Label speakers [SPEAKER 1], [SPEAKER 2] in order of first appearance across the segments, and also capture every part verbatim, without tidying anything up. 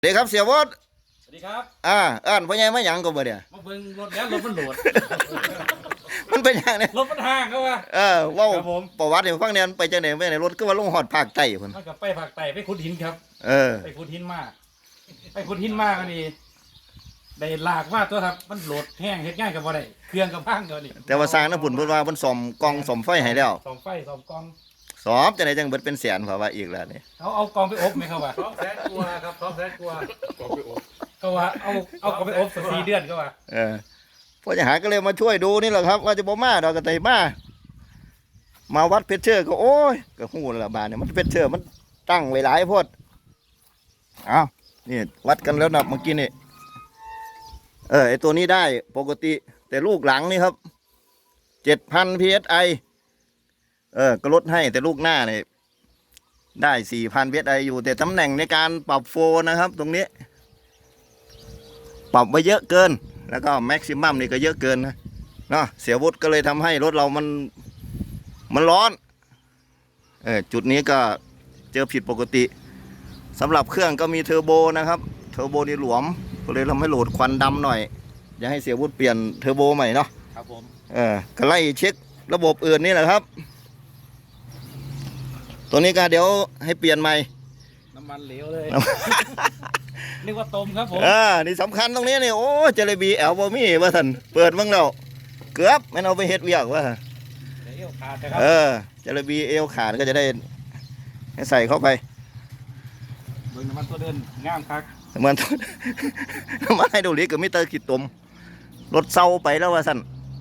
[SPEAKER 1] เด็กครับเสียวอด
[SPEAKER 2] สวัสดีครับ
[SPEAKER 1] อ่าอ่านพ่อใหญ่มาหยังก็บ่เนี่ย
[SPEAKER 2] มาเบิ่งรถแล้วรถมันโหลด
[SPEAKER 1] มันเป็นอย่างนี้
[SPEAKER 2] รถมันห่างเขาว่า
[SPEAKER 1] เออเว้า
[SPEAKER 2] ครับผม
[SPEAKER 1] ประวัติให้ฟังเนี่ยมันไปจังได๋ไปไหนรถก็ว่าลงฮอดภาคใต้พุ่น
[SPEAKER 2] มันกับไปภาคใต้ไปขุดหินครับ
[SPEAKER 1] เออ
[SPEAKER 2] ไปขุดหินมากไปขุดหินมากอันนี้ได้ลากว่าตัวครับมันโหลดแห้งเฮ็ดง่ายกับบ่ได้เครื่องกับพังเดี๋ยวนี้
[SPEAKER 1] แต่ว่าสร้างน้ำพุ่นเพิ่นว่าเพิ่นซ่อมกล่องซ่อมไฟให้แล้ว
[SPEAKER 2] ซ่อมไฟซ่อมกอง
[SPEAKER 1] ซ่อมจังได๋จังเบิดเป็นแสนเพราะว่าอีกแล้วนี่
[SPEAKER 2] เขาเอากองไปอบไหมครับว่า
[SPEAKER 3] สองแสนกว่าครับสองแสนกว่าก็ไปอบ
[SPEAKER 2] ก็ว่าเอาเอากองไปอบสักสี่เดือนก็ว่า
[SPEAKER 1] เออพ่อจะหาก็เลยมาช่วยดูนี่แหละครับว่าจะบ่มาดอกก็ได้มามาวัดเพชรเชอร์ก็โอ้ยก็ฮู้แล้วล่ะบาดเนี่ยมันเพชรเชอร์มันตั้งไว้หลายโพดเอ้านี่วัดกันแล้วนะเมื่อกี้นี่เออไอตัวนี้ได้ปกติแต่ลูกหลังนี่ครับ เจ็ดพัน พี เอส ไอ เออก็ลดให้แต่ลูกหน้าเนี่ยได้ สี่พัน พี เอส ไอ อยู่แต่ตำแหน่งในการปรับโฟนะครับ ตรงนี้ ปรับไว้เยอะเกิน แล้วก็แม็กซิมัมนี่ก็เยอะเกินนะเนาะเสียวุฒิก็เลยทำให้รถเรามันมันร้อนเออจุดนี้ก็เจอผิดปกติสำหรับเครื่องก็มีเทอร์โบนะครับเทอร์โบนี่หลวมก็เลยทำให้โหลดควันดำหน่อยอยากให้เสียวุฒิเปลี่ยนเทอร์โบใหม่เนาะ
[SPEAKER 2] ครับผม
[SPEAKER 1] เออก็ไล่เช็คระบบอื่นนี่แหละครับตัวนี้ก็เดี๋ยวให้เปลี่ยนใหม่
[SPEAKER 2] น้ำมันเหลวเลยนึกว่าต้มครับผม
[SPEAKER 1] อ่านี่สำคัญตรงนี้นี่โอ้เจลบีแอลบอมี่ว่าท่านเปิดบ้างแล้วเกือบไม่เอาไปเฮ็ดเวียกว่า
[SPEAKER 2] เอวขาดนะครับ
[SPEAKER 1] เออเจลบีเอลขาดก็จะได้ให้ใส่เข้าไป
[SPEAKER 2] เบิ่งน้ำมันตัวเดินงามคัก
[SPEAKER 1] น้ำมันน้ำมันให้ดูลิกกับมิเตอร์ขีดตุ่มรถเศร้าไปแล้วว่าสั่น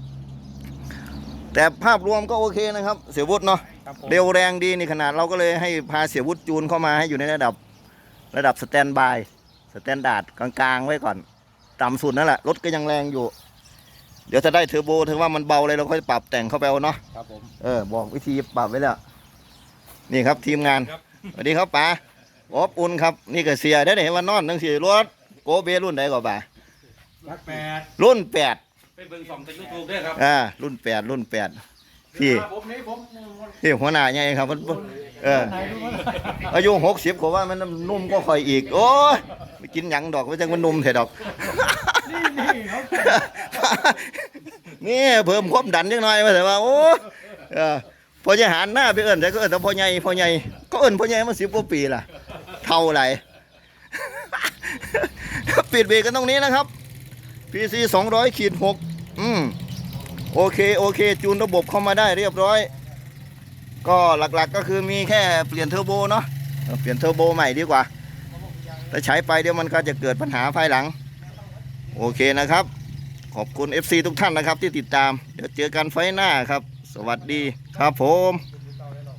[SPEAKER 1] แต่ภาพรวมก็โอเคนะครับเสียวุฒิเนาะเร็วแรงดีนี่ขนาดเราก็เลยให้พาเสียวุฒิจูนเข้ามาให้อยู่ในระดับระดับสแตนบายสแตนดาร์ดกลางๆไว้ก่อนต่ำสุดนั่นแหละรถก็ยังแรงอยู่เดี๋ยวจะได้เทอร์โบถึงว่ามันเบาเลยเราค่อยปรับแต่งเข้าไปเอาเนาะ
[SPEAKER 2] ครับผม
[SPEAKER 1] เออบอกวิธีปรับไว้แล้วนี่ครับทีมงานสวัสดีครับป๋าอบอุ่นครับนี่ก็เสียได้เห็นว่านอนทั้งสี่รถโกเบรุ่นไหนก่อนป๋า
[SPEAKER 2] รักแปด
[SPEAKER 1] รุ่นแปด
[SPEAKER 2] ไปเบิ่งสองในยูทูบด้วยครับ
[SPEAKER 1] อ่ารุ่นแปดรุ่นแปดพี่พี่หัวหน้าใหญ่ครับมันเอออายุหกสิบกว่ามันนุ่มก็ค่อยอีกโอ้ยไปกินหยังดอกไม่ใช่มันนุ่มเถอะดอกนี่เพิ่มความดันนิดหน่อยมาแต่ว่าโอ้เออพอจะหันหน้าไปเอิญแต่ก็เอิญแต่พอใหญ่พอใหญ่ก็เอิญพอใหญ่มาสิบกว่าปีล่ะเท่าไหร่ปิดเบรกกันตรงนี้นะครับ พี ซี สองร้อยขีดหกอืมโอเคโอเคจูนระบบเข้ามาได้เรียบร้อยก็หลักๆก็คือมีแค่เปลี่ยนเทอร์โบเนาะเปลี่ยนเทอร์โบใหม่ดีกว่าแต่ใช้ไปเดี๋ยวมันก็จะเกิดปัญหาภายหลังโอเคนะครับขอบคุณ เอฟ ซี ทุกท่านนะครับที่ติดตามเดี๋ยวเจอกันไฟหน้าครับสวัสดีครับผม